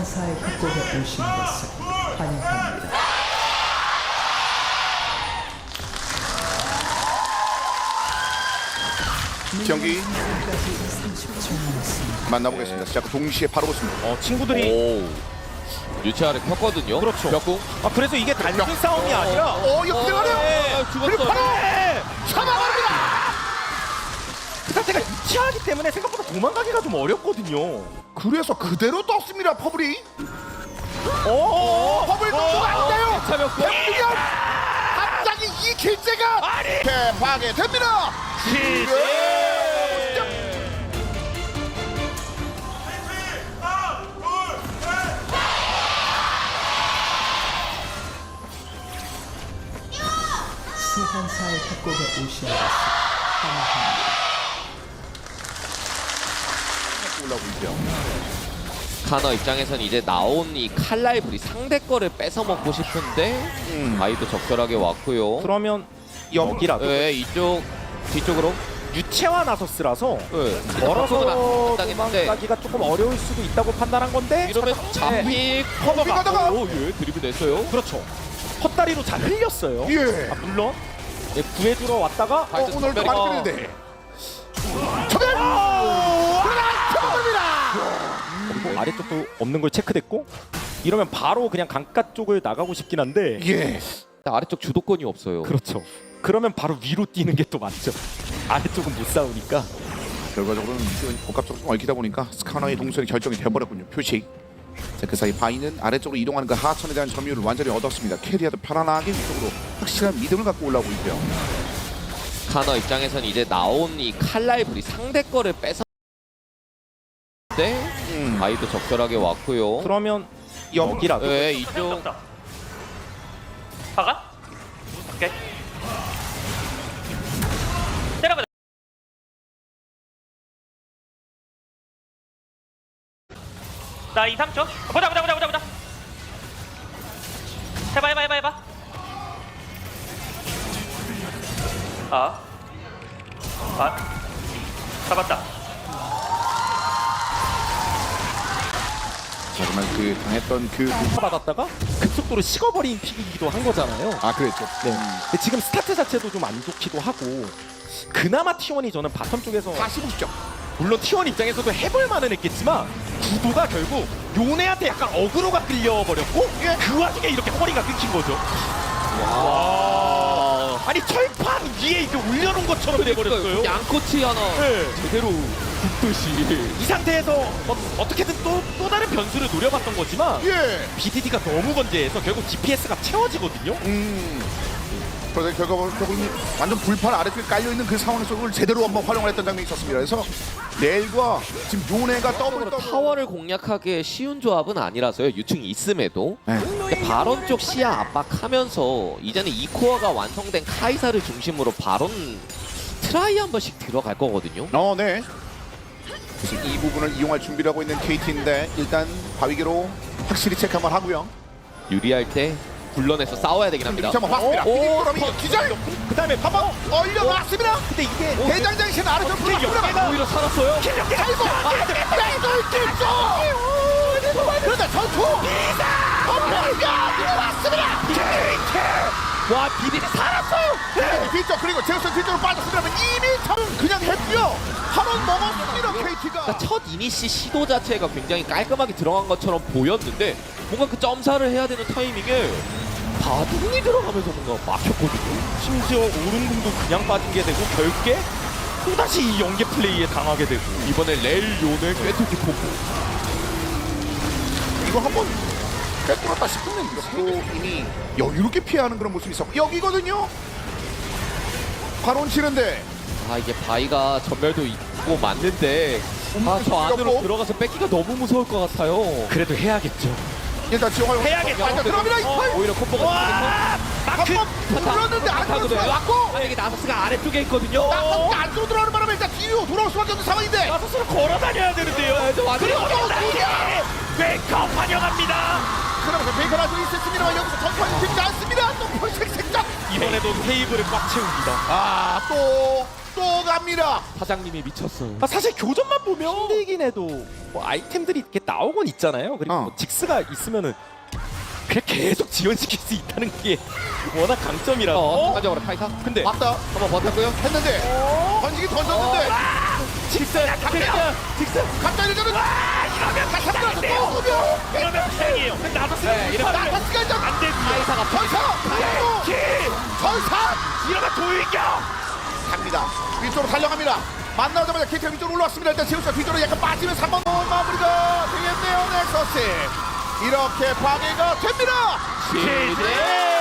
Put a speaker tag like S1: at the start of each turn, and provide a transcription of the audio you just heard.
S1: 소환사의 협곡에 오신 것을 환영합니다.
S2: 경기
S1: 까지 30초 남았습니다.
S2: 만나보겠습니다. 시작 동시에 바로 보습니다.
S3: 친구들이
S4: 오 유치아를 폈거든요.
S3: 그렇죠.
S4: 벽궁.
S3: 그래서 이게 단순 싸움이 아니라
S2: 이거 들어가네요. 그리고
S4: 죽었어.
S2: 바로
S3: 네.
S2: 잡아갑니다.
S3: 그 상태가 유치하기 때문에 생각보다 도망가기가 좀 어렵거든요.
S2: 그래서 그대로 떴습니다. 퍼블이.
S3: 오,
S2: 퍼블 동수가 안 돼요.
S4: 차벽.
S2: 백미연 갑자기 이 길제가 대파게 됩니다.
S1: 소환사의 협곡에 오신 것을 환영합니다.
S2: 올라오고 있죠.
S4: 카너 입장에선 이제 나온 이 칼라이블이 상대 거를 뺏어 먹고 싶은데 아이도 적절하게 왔고요.
S3: 그러면 여기라도
S4: 네, 이쪽 뒤쪽으로.
S3: 유채화 나서스라서
S4: 네.
S3: 멀어서
S4: 당했는데
S3: 도망가기가 조금 어려울 수도 있다고 판단한 건데
S4: 이러면 잡힐 커버가.
S2: 가다가
S4: 예, 드리블 냈어요.
S3: 그렇죠. 헛다리로 잘 흘렸어요.
S2: 예.
S3: 물론 구해주러 왔다가
S4: 파이터
S2: 오늘도
S4: 선배가-
S2: 많이 끌리는데. 저변.
S3: 그리고 아래쪽도 없는 걸 체크됐고 이러면 바로 그냥 강가 쪽을 나가고 싶긴 한데
S2: 예.
S4: 아래쪽 주도권이 없어요.
S3: 그렇죠. 그러면 바로 위로 뛰는 게 또 맞죠. 아래쪽은 못 싸우니까.
S2: 결과적으로는 복합적으로 좀 얽히다 보니까 스카너의 동선이 결정이 되어버렸군요. 표식. 자, 그 사이 바이는 아래쪽으로 이동하는 그 하천에 대한 점유율을 완전히 얻었습니다. 캐리아도 편안하게 위쪽으로 확실한 믿음을 갖고 올라오고 있고요.
S4: 카너 입장에선 이제 나온 이 칼라이블이 상대 거를 뺏어 네, 아이도 적절하게 왔고요.
S3: 그러면
S2: 영.
S3: 여기라도
S4: 네, 이쪽
S5: 박아? 오케이. 때려보자. 나 2, 3초. 보자. 해봐. 잡았다.
S2: 하지만 그 당했던 그
S3: 받았다가 급속도로 식어버린 픽이기도 한 거잖아요.
S2: 그랬죠.
S3: 네. 근데 지금 스타트 자체도 좀 안 좋기도 하고 그나마 T1이 저는 바텀 쪽에서
S2: 다시 보시죠.
S3: 물론 T1 입장에서도 해볼 만은 했겠지만 구도가 결국 요네한테 약간 어그로가 끌려버렸고 그 와중에 이렇게 허리가 끊긴 거죠. 와. 아니 철판 위에 이렇게 올려놓은 것처럼 돼버렸어요.
S4: 양꼬치 하나
S3: 네.
S4: 제대로 굽듯이.
S3: 이 상태에서 어떻게든 또 다른 변수를 노려봤던 거지만
S2: 예.
S3: BDD가 너무 건재해서 결국 DPS가 채워지거든요.
S2: 그래서 결국은 완전 불판 아래쪽에 깔려 있는 그 상황에서 그걸 제대로 한번 활용을 했던 장면이 있었습니다. 그래서 넬과 지금 요네가 더블
S4: 타워를 공략하기 쉬운 조합은 아니라서요. 유충이 있음에도.
S2: 네.
S4: 근데 바론 쪽 시야 압박하면서 이제는 이 코어가 완성된 카이사를 중심으로 바론 트라이 한 번씩 들어갈 거거든요.
S2: 네. 그래서 이 부분을 이용할 준비를 하고 있는 KT인데 일단 바위기로 확실히 체크 한번 하고요.
S4: 유리할 때 굴러내서 싸워야 되긴 합니다.
S2: 한번 봤습니다. 피디그럼이 기절.
S3: 그 다음에 봐봐.
S2: 올려놨습니다.
S3: 근데 이게
S2: 대장장신 아래쪽
S3: 연계가
S4: 오히려 살았어요.
S2: 아이고 그런데 전투 들어왔습니다.
S4: 와 비비디 살았어요.
S2: 뒤쪽 그리고 제우스 뒤쪽으로 빠졌으면 이미 참 그냥 했고요. 한원 먹었습니다. KT가.
S4: 첫 이니시 시도 자체가 굉장히 깔끔하게 들어간 것처럼 보였는데 뭔가 그 점사를 해야 되는 타이밍에 바둑이 들어가면서 뭔가 막혔거든요.
S3: 심지어 오른궁도 그냥 빠진 게 되고 결국에 또다시 이 연계 플레이에 당하게 되고
S4: 이번에 렐 요넬 꿰뚫기 포크.
S2: 이거 한번 꿰뚫었다 싶으면 이것도 이미 여유롭게 피하는 그런 모습이 있었고 여기거든요. 바론 치는데
S4: 아 이게 바위가 전멸도 있고 맞는데 저 안으로
S2: 없고.
S4: 들어가서 뺏기가 너무 무서울 것 같아요.
S3: 그래도 해야겠죠.
S2: 일단 지용할
S3: 해야겠다.
S2: 들어갑니다.
S4: 오히려 콤보가
S2: 한번 불렀는데 안으로 들어왔고
S4: 만약에 나서스가 아래쪽에 있거든요.
S2: 나서스가 안으로 들어가는 바람에 일단 뒤로 돌아올 수밖에 없는 상황인데
S3: 나서스로 걸어 다녀야 되는데요.
S4: 그리고
S3: 웨이크업 환영합니다.
S2: 그러면서 베이컨 아주 있었습니다만 여기서 전투하는 팀이 않습니다. 또 벌써 색작
S3: 이번에도 테이블을 꽉 채웁니다.
S2: 또 또 갑니다.
S4: 사장님이 미쳤어요.
S3: 사실 교전만 보면 힘들긴 해도 뭐 아이템들이 이렇게 나오곤 있잖아요. 그리고 뭐 직스가 있으면은 그냥 계속 지원시킬 수 있다는 게 워낙 강점이라서.
S4: 순간적으로 카이사.
S3: 근데
S2: 맞다.
S4: 한번 버텼고요.
S2: 했는데 던지기 던졌는데
S3: 직스
S2: 갑자기 이러면
S5: 이러면
S2: 다시 한번 또 쏘면
S5: 이러면 패행이에요. 나도
S2: 나타스가 이제
S5: 안 되지.
S4: 카이사가
S2: 전사
S5: 이러면 도일격.
S2: 갑니다. 위쪽으로 달려갑니다. 만나자마자 KT가 위쪽으로 올라왔습니다. 일단 제우스가 뒤쪽으로 약간 빠지면서 한번 마무리가 되겠네요. 넥서스 이렇게 파괴가 됩니다.
S4: 시대.